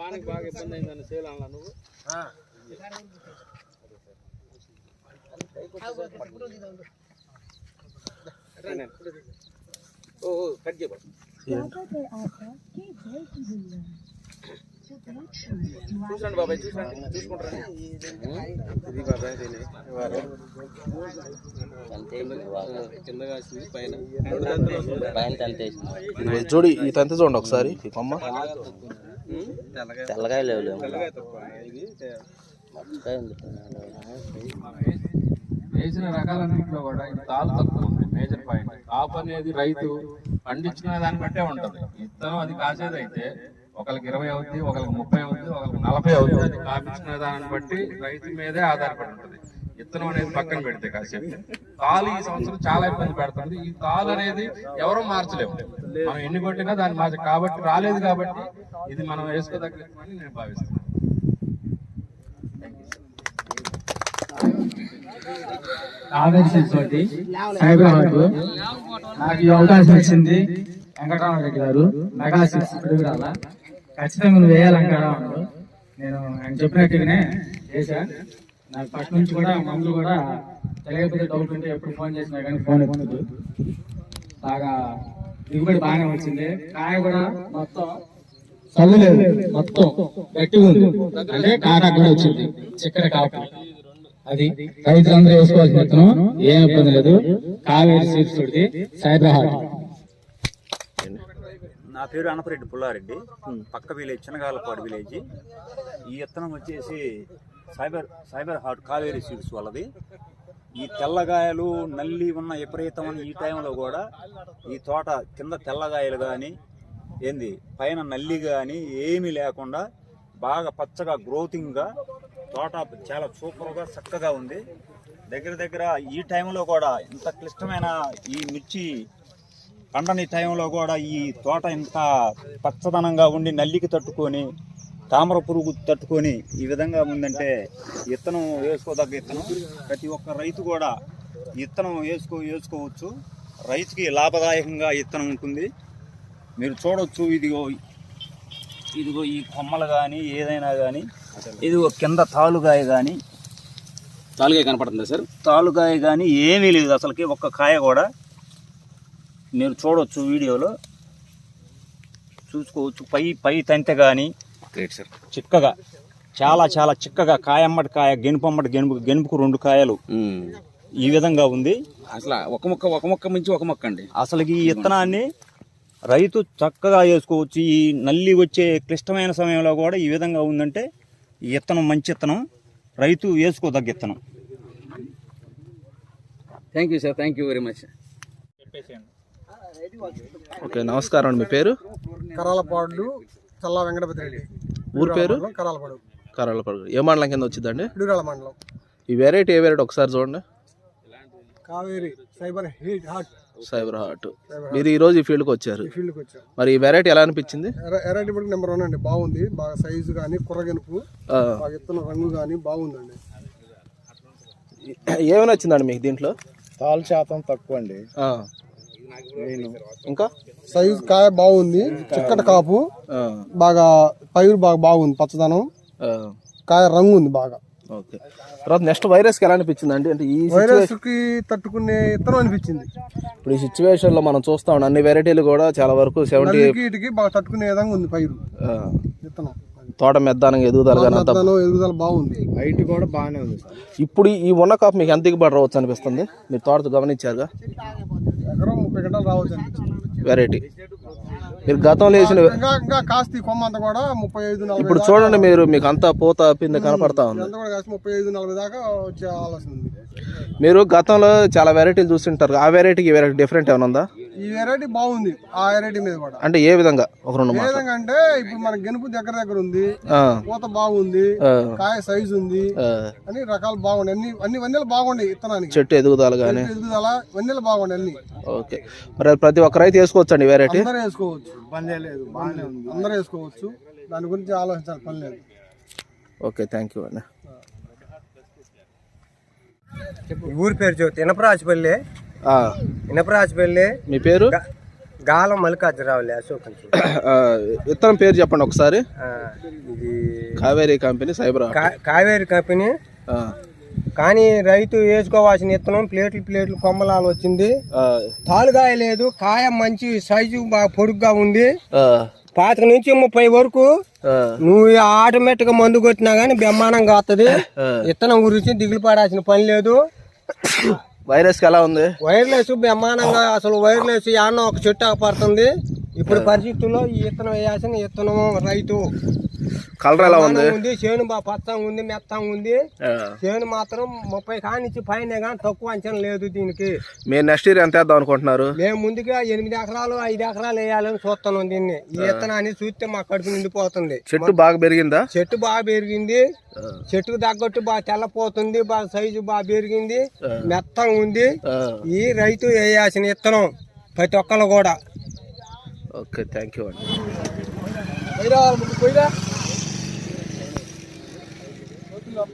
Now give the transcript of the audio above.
వానికి బాగా ఇబ్బంది అయిందని సేల్ అన్నా నువ్వు కట్ చేయబడు చూసండి బాబాయ్ చూసండి చూసుకుంటారా ఇది బాబాయ్ కిందగా వచ్చింది పైన చూడు ఈ తంతి చూడండి ఒకసారి ఈ కొమ్మ తెల్లగాయ లేవు వేసిన రకాలన్నింటిలో కూడా ఇది తాలు తక్కువ ఉంది. మేజర్ పాయింట్ కాపు అనేది రైతు పండించుకునే దాన్ని బట్టే ఉంటది. ఇత్తనం అది కాసేది అయితే ఒకరికి 20 అవుద్ది, ఒకరికి 30 అవుద్ది, ఒకరికి 40 అవుద్ది. అది కాపించుకునే దాన్ని బట్టి రైతు మీదే ఆధారపడి ఉంటది. ఇత్తనం అనేది పక్కన పెడితే కాసేపు తాలు ఈ సంవత్సరం చాలా ఇబ్బంది పెడుతుంది. ఈ తాలు అనేది ఎవరూ మార్చలేము, మనం ఎన్ని కొట్టినా దాన్ని మార్చ కాబట్టి రాలేదు. కాబట్టి ఇది మనం వేసుకోదగ్గని నేను భావిస్తున్నాను. నాకు ఈ అవకాశం ఇచ్చింది వెంకటరామరెడ్డి గారు. మెగా 6 పిడుగురాల ఖచ్చితంగా నువ్వు వేయాలనుకున్నాను. నేను ఆయన చెప్పినట్టుగానే చేశా. నాకు ఫస్ట్ నుంచి కూడా మందులు కూడా తెలియకపోతే డౌట్ ఉంటే ఎప్పుడు ఫోన్ చేసినా కానీ ఫోన్ ఎత్తుతుంది. బాగా దిగుబడి బాగానే వచ్చింది. కాయ కూడా మొత్తం చల్లలేదు, మొత్తం గట్టిగా ఉంది. అంటే కాకా కూడా వచ్చింది చిక్కటి కాపు. అది రైతులందరూ వేసుకోవాల్సిన విత్తనం, ఏం ఇబ్బంది లేదు. కావేరి సీడ్స్ తోటి సైబరాబాద్. నా పేరు అనపరెడ్డి పుల్లారెడ్డి, పక్క విలేజ్ చిన్నగాలపాడు విలేజ్. ఈ విత్తనం వచ్చేసి సైబర్ హార్ట్ కావేరీ సీడ్స్ వాళ్ళది. ఈ తెల్లగాయలు నల్లి ఉన్న విపరీతమైన ఈ టైంలో కూడా ఈ తోట కింద తెల్లగాయలు కానీ పైన నల్లి కానీ ఏమీ లేకుండా బాగా పచ్చగా గ్రోతింగ్గా తోట చాలా సూపర్గా చక్కగా ఉంది. దగ్గర ఈ టైంలో కూడా ఇంత క్లిష్టమైన ఈ మిర్చి పండని టైంలో కూడా ఈ తోట ఇంత పచ్చదనంగా ఉండి నల్లికి తట్టుకొని తామర పురుగు తట్టుకొని ఈ విధంగా ఉందంటే విత్తనం వేసుకోదగ్గ విత్తనం. ప్రతి ఒక్క రైతు కూడా విత్తనం వేసుకోవచ్చు. రైతుకి లాభదాయకంగా విత్తనం ఉంటుంది. మీరు చూడవచ్చు, ఇదిగో ఈ కొమ్మలు కానీ ఏదైనా కానీ, ఇదిగో కింద తాలుగాయ కానీ, తాలుగాయ కనపడుతుందా సార్? తాలుగాయ కానీ ఏమీ లేదు అసలుకి, ఒక్క కాయ కూడా. మీరు చూడవచ్చు, వీడియోలో చూసుకోవచ్చు. పై తంతె కానీ చిక్కగా చాలా చిక్కగా కాయమ్మటి కాయ, గెనుపమ్మటి గెనుపుకు 2 కాయలు ఈ విధంగా ఉంది. అసలు ఒక మొక్క మించి ఒక మొక్క అండి. అసలు ఈ విత్తనాన్ని రైతు చక్కగా వేసుకోవచ్చు. ఈ నల్లి వచ్చే క్లిష్టమైన సమయంలో కూడా ఈ విధంగా ఉందంటే ఈ విత్తనం మంచి విత్తనం, రైతు వేసుకోదగ్గ విత్తనం. Thank you sir, thank you very much. Okay, నమస్కారం అండి. మీ పేరు? కరాలపాడు చల్లా వెంకటపతి రెడ్డి. ఊరు పేరు? కరాలపాడు. ఏ మండలం కింద వచ్చిందండి? పిడుగురాల మండలం. ఈ వెరైటీ ఏ వెరైటీ ఒకసారి చూడండి. Kaveri cyber heart. మీరు ఈ రోజు ఈ ఫీల్డ్కి వచ్చారు. మరి ఈ వెరైటీ ఎలా అనిపించింది? వెరైటీ బట్టి నెంబర్ 1 అండి. బాగుంది, బాగా సైజు కానీ కుర్రగెనుపు, విత్తనం రంగు కానీ బాగుందండి. ఏమైనా వచ్చిందండి మీకు దీంట్లో? తాలు శాతం తక్కువ అండి. ఇంకా సైజు కాయ బాగుంది, చిక్కటి కాపు, బాగా పైరు బాగుంది, పచ్చదనం, కాయ రంగు ఉంది బాగా. ఓకే, తర్వాత నెక్స్ట్ వైరస్కి ఎలా అనిపించింది అండి? అంటే ఈ వైరస్ కి తట్టుకునే విత్తనం అనిపించింది. ఇప్పుడు ఈ సిచ్యువేషన్ లో మనం చూస్తా ఉన్నాం, అన్ని వెరైటీలు కూడా చాలా వరకు 70 బాగా తట్టుకునే విధంగా ఉంది పైరు విత్తనం. తోట మెద్దానంగా ఎదుగుదల బాగుంది, హైట్ కూడా బాగానే ఉంది. ఇప్పుడు ఈ ఉన్న కాపు మీకు ఎంత దిగుబడి రావచ్చు అనిపిస్తుంది? మీరు తోటతో గమనించారుగా, ఎకరం 30 గంటలు రావచ్చు అనిపించింది వెరైటీ. మీరు గతంలో వేసిన ఇంకా కాస్త కొమ్మ అంతా కూడా 35-40. ఇప్పుడు చూడండి, మీకు అంతా పూత పిండి కనపడతా ఉంది. 35-40 దాకా వచ్చే ఆలోచన ఉంది. మీరు గతంలో చాలా వెరైటీలు చూస్తుంటారు, ఆ వెరైటీకి వెరైటీ డిఫరెంట్ ఏమైనా ఉందా? ఈ వెరైటీ బాగుంది, ఆ వెరైటీ మీద కూడా. అంటే ఏ విధంగా? ఒక 2 ఏ విధంగా అంటే ఇప్పుడు మన గెనుపు దగ్గర ఉంది, పూత బాగుంది, కాయ సైజు ఉంది, అన్ని రకాలు బాగుంది. అన్ని వన్నెలు బాగుండే విత్తనానికి, చెట్టు ఎదుగుదల కానీ ఎదుగుదల వన్నెలు బాగుండే అన్ని. ఓకే, మరి ప్రతి ఒక్క రైతు వేసుకోవచ్చు అండి వెరైటీ? అందరూ వేసుకోవచ్చు, లేదు బాగానే ఉంది, అందరూ వేసుకోవచ్చు, దాని గురించి ఆలోచించాలి పని లేదు. ఓకే, థ్యాంక్ యూ అండి. ఊరి పేరు చెబుతా, ఇనపరాజపల్లి. మీ పేరు? గాలం మల్లికార్జునరావులే అశోక్ నుంచి. విత్తనం పేరు చెప్పండి ఒకసారి. ఇది Kaveri company cyber Kaveri company. కానీ రైతు వేసుకోవాల్సిన విత్తనం ప్లేట్లు కొమ్మలాలు వచ్చింది. తాలుగాయ లేదు, కాయ మంచి సైజు బాగా పొడుగ్గా ఉంది. 25 నుంచి 30 వరకు నువ్వు ఆటోమేటిక్ గా మందు కొట్టినా గానీ బ్రహ్మాండంగా వస్తుంది. విత్తనం గురించి దిగులు పడాల్సిన పని లేదు. వైరస్ ఎలా ఉంది? వైర్లెస్ బ్రహ్మాండంగా, అసలు వైర్లెస్ యాన్నో ఒక చెట్టు పడుతుంది. ఇప్పుడు పరిస్థితుల్లో ఈ విత్తనం వేయాల్సిన విత్తనం రైతు. కలర్ ఎలా ఉంది? చేను బాగా పచ్చంగా ఉంది, మెత్తంగా ఉంది. చేను మాత్రం 30 కానించి పైన కానీ తక్కువ అంచనా లేదు దీనికి. మీరు నెక్స్ట్ ఇయర్ ఎంత వేద్దాం అనుకుంటున్నారు? మేము ముందుగా 8 ఎకరాలు 5 ఎకరాలు వేయాలని చూస్తున్నాం దీన్ని. ఈ విత్తనాన్ని చూస్తే మా కడుపు నిండిపోతుంది. చెట్టు బాగా పెరిగిందా? చెట్టు బాగా పెరిగింది. చెట్టుకు తగ్గట్టు బాగా తెల్లపోతుంది, బాగా సైజు బాగా పెరిగింది, మెత్తంగా ఉంది. ఈ రైతు వేయాల్సిన విత్తనం ప్రతి ఒక్కరు కూడా. ఓకే, థ్యాంక్ యూ అండి.